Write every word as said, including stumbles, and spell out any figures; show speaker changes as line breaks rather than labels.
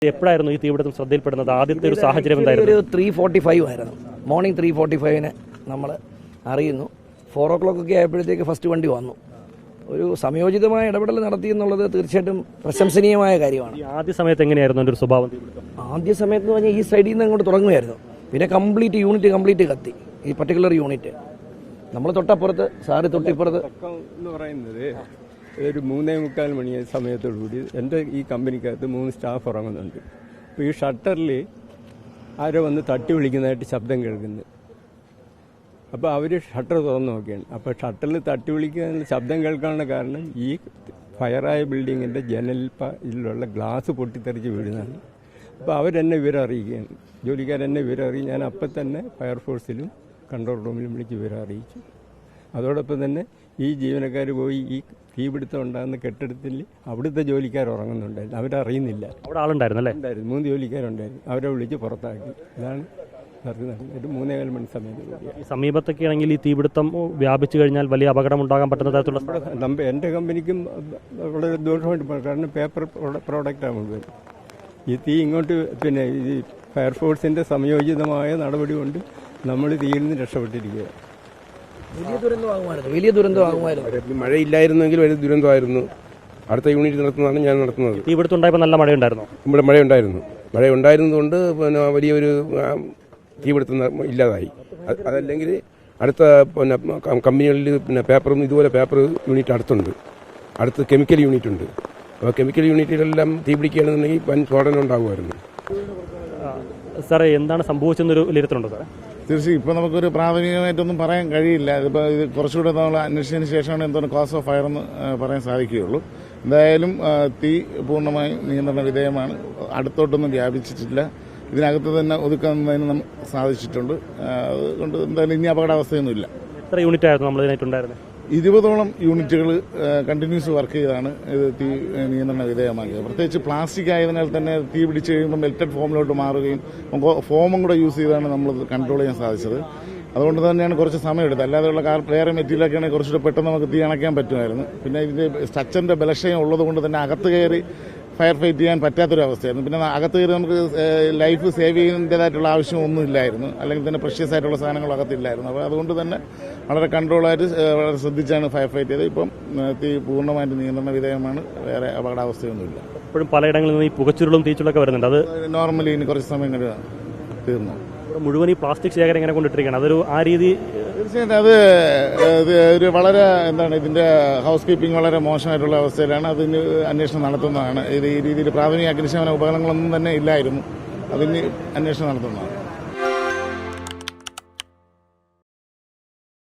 എപ്പോഴായിരുന്നു ഈ തീപിടുത്തം ശ്രദ്ധയിൽപ്പെടുന്നത്? ആദ്യത്തെ ഒരു സാഹചര്യം എന്തായിരുന്നു?
ഒരു ത്രീ ഫോർട്ടി ഫൈവ് ആയിരുന്നു, മോർണിംഗ് ത്രീ ഫോർട്ടി ഫൈവിന് നമ്മൾ അറിയുന്നു. ഫോർ ഓ ക്ലോക്ക് ഒക്കെ ആയപ്പോഴത്തേക്ക് ഫസ്റ്റ് വണ്ടി വന്നു. ഒരു സംയോജിതമായ ഇടപെടൽ നടത്തി എന്നുള്ളത് തീർച്ചയായിട്ടും പ്രശംസനീയമായ കാര്യമാണ്.
ആദ്യ സമയത്ത് എങ്ങനെയായിരുന്നു എൻ്റെ ഒരു സ്വഭാവം?
ആദ്യ സമയത്ത് എന്ന് പറഞ്ഞാൽ ഈ സൈഡിൽ നിന്ന് അങ്ങോട്ട് തുടങ്ങുമായിരുന്നു, പിന്നെ കംപ്ലീറ്റ് യൂണിറ്റ് കംപ്ലീറ്റ് കത്തി. ഈ പർട്ടിക്കുലർ യൂണിറ്റ് നമ്മൾ തൊട്ടപ്പുറത്ത്, സാറ് തൊട്ടിപ്പുറത്ത്
എന്ന് പറയുന്നത് ഒരു മൂന്നേ മുക്കാൽ മണി സമയത്തോടുകൂടി എൻ്റെ ഈ കമ്പനിക്കകത്ത് മൂന്ന് സ്റ്റാഫ് ഉറങ്ങുന്നുണ്ട്. അപ്പോൾ ഈ ഷട്ടറിൽ ആരോ വന്ന് തട്ടി വിളിക്കുന്നതായിട്ട് ശബ്ദം കേൾക്കുന്നത്. അപ്പോൾ അവർ ഷട്ടർ തുറന്ന് നോക്കിയാണ്. അപ്പോൾ ഷട്ടറിൽ തട്ടി വിളിക്കുന്ന ശബ്ദം കേൾക്കാനുള്ള കാരണം ഈ ഫയറായ ബിൽഡിങ്ങിൻ്റെ ജനലിലുള്ള ഗ്ലാസ് പൊട്ടിത്തെറിച്ച് വീഴുന്നതാണ്. അപ്പോൾ അവരെന്നെ വിവരം അറിയിക്കുകയാണ്, ജോലിക്കാരെന്നെ വിവരം അറിയിക്കും. ഞാൻ അപ്പം തന്നെ ഫയർഫോഴ്സിലും കൺട്രോൾ റൂമിലും വിളിച്ച് വിവരം അറിയിച്ചു. അതോടൊപ്പം തന്നെ ഈ ജീവനക്കാർ പോയി ഈ തീപിടുത്തം ഉണ്ടാകുന്ന കെട്ടിടത്തിൽ അവിടുത്തെ ജോലിക്കാർ ഉറങ്ങുന്നുണ്ടായിരുന്നു, അവരറിയുന്നില്ല.
അവിടെ ആളുണ്ടായിരുന്നല്ലേ?
ഉണ്ടായിരുന്നു, മൂന്ന് ജോലിക്കാരുണ്ടായിരുന്നു. അവരെ വിളിച്ച് പുറത്താക്കി. ഇതാണ് നടന്നത്. മൂന്നേകാൽ മണി സമയത്ത്.
ഈ സമീപത്തൊക്കെ ആണെങ്കിൽ ഈ തീപിടുത്തം വ്യാപിച്ചു കഴിഞ്ഞാൽ വലിയ അപകടം ഉണ്ടാകാൻ പറ്റുന്ന തരത്തിലുള്ള
എൻ്റെ കമ്പനിക്കും വളരെ ദോഷമായിട്ട്, കാരണം പേപ്പർ പ്രോഡക്റ്റാണ് മുഴുവൻ. ഈ തീ ഇങ്ങോട്ട് പിന്നെ ഈ ഫയർഫോഴ്സിൻ്റെ സംയോജിതമായ നടപടി കൊണ്ട് നമ്മൾ തീയിൽ നിന്ന് രക്ഷപ്പെട്ടിരിക്കുക.
വലിയ ദുരന്തമാകുമായിരുന്നു, വലിയ ദുരന്തമാകുമായിരുന്നു.
മഴയില്ലായിരുന്നെങ്കിൽ വലിയ ദുരന്തമായിരുന്നു. അടുത്ത യൂണിറ്റ് നടത്തുന്നതാണ് ഞാൻ നടത്തുന്നത്.
തീപിടുത്തം ഉണ്ടായപ്പോൾ നല്ല മഴയുണ്ടായിരുന്നു.
ഇവിടെ മഴയുണ്ടായിരുന്നു. മഴ ഉണ്ടായിരുന്നതുകൊണ്ട് പിന്നെ വലിയൊരു തീപിടുത്തം ഇല്ലാതായി. അതല്ലെങ്കിൽ അടുത്ത പിന്നെ കമ്പനികളിൽ പിന്നെ പേപ്പറും ഇതുപോലെ പേപ്പർ യൂണിറ്റ് അടുത്തുണ്ട്, അടുത്ത് കെമിക്കൽ യൂണിറ്റ് ഉണ്ട്. അപ്പോൾ കെമിക്കൽ യൂണിറ്റുകളെല്ലാം തീ പിടിക്കുകയാണെന്നുണ്ടെങ്കിൽ വൻ സ്ഫോടനം ഉണ്ടാകുമായിരുന്നു.
സാറേ, എന്താണ് സംഭവിച്ചെന്നൊരു വിലയിരുത്തലുണ്ടോ സാറേ?
തീർച്ചയായും ഇപ്പോൾ നമുക്കൊരു പ്രാഥമികമായിട്ടൊന്നും പറയാൻ കഴിയില്ല. ഇതിപ്പോൾ ഇത് കുറച്ചുകൂടെ നമ്മൾ അന്വേഷിച്ചതിന് ശേഷമാണ് എന്താണ് കോസ് ഓഫ് ഫയർ എന്ന് പറയാൻ സാധിക്കുകയുള്ളൂ. എന്തായാലും തീ പൂർണ്ണമായി നിയന്ത്രണ വിധേയമാണ്, അടുത്തോട്ടൊന്നും വ്യാപിച്ചിട്ടില്ല. ഇതിനകത്ത് തന്നെ ഒതുക്കുന്നതിന് നമുക്ക് സാധിച്ചിട്ടുണ്ട്. അതുകൊണ്ട് എന്തായാലും ഇനി അപകടാവസ്ഥയൊന്നുമില്ല.
എത്ര യൂണിറ്റ് ആയിരുന്നു നമ്മൾ ഇതിനായിട്ടുണ്ടായിരുന്നത്?
ഇരുപതോളം യൂണിറ്റുകൾ കണ്ടിന്യൂസ് വർക്ക് ചെയ്താണ് ഇത് തീ നിയന്ത്രണ വിധേയമാക്കിയത്. പ്രത്യേകിച്ച് പ്ലാസ്റ്റിക് ആയതിനാൽ തന്നെ തീ പിടിച്ച് കഴിയുമ്പോൾ മെൽറ്റഡ് ഫോമിലോട്ട് മാറുകയും ഫോമും കൂടെ യൂസ് ചെയ്താണ് നമ്മൾ കൺട്രോൾ ചെയ്യാൻ സാധിച്ചത്. അതുകൊണ്ട് തന്നെയാണ് കുറച്ച് സമയം എടുത്തത്. അല്ലാതെയുള്ള കാർ വേറെ മെറ്റീരിയലൊക്കെ ആണെങ്കിൽ കുറച്ചുകൂടെ പെട്ടെന്ന് നമുക്ക് തീ അണയ്ക്കാൻ പറ്റുമായിരുന്നു. പിന്നെ ഇതിന്റെ സ്ട്രക്ചറിന്റെ ബലക്ഷയം ഉള്ളതുകൊണ്ട് തന്നെ അകത്ത് കയറി ഫയർ ഫൈറ്റ് ചെയ്യാൻ പറ്റാത്തൊരവസ്ഥയായിരുന്നു. പിന്നെ അകത്ത് കയറി നമുക്ക് ലൈഫ് സേവ് ചെയ്യുന്നതിൻ്റെതായിട്ടുള്ള ആവശ്യമൊന്നും ഇല്ലായിരുന്നു, അല്ലെങ്കിൽ തന്നെ പ്രഷ്യസ് ആയിട്ടുള്ള സാധനങ്ങൾ അകത്തില്ലായിരുന്നു. അപ്പോൾ അതുകൊണ്ട് തന്നെ വളരെ കൺട്രോളായിട്ട് വളരെ ശ്രദ്ധിച്ചാണ് ഫയർ ഫൈറ്റ് ചെയ്തത്. ഇപ്പം തീ പൂർണ്ണമായിട്ട് നിയന്ത്രണ വിധേയമാണ്, വേറെ അപകടാവസ്ഥയൊന്നുമില്ല.
ഇപ്പോഴും പലയിടങ്ങളിൽ നിന്ന് ഈ പുകച്ചുരുളും തീച്ചുളൊക്കെ വരുന്നുണ്ട്. അത്
നോർമലി ഇനി കുറച്ച് സമയം കഴിഞ്ഞ് തീർന്നു.
മുഴുവൻ ഈ പ്ലാസ്റ്റിക് ശേഖരം ഇങ്ങനെ കൊണ്ടിട്ടിരിക്കുകയാണ്. അതൊരു ആ രീതി
തീർച്ചയായിട്ടും അത് ഒരു വളരെ എന്താണ് ഇതിന്റെ ഹൗസ് കീപ്പിംഗ് വളരെ മോശമായിട്ടുള്ള അവസ്ഥയിലാണ്. അതിന് അന്വേഷണം നടത്തുന്നതാണ്. ഇത് ഈ രീതിയിൽ പ്രാഥമിക അഗ്നിശമന ഉപകരണങ്ങളൊന്നും തന്നെ ഇല്ലായിരുന്നു, അതിന് അന്വേഷണം നടത്തുന്നതാണ്.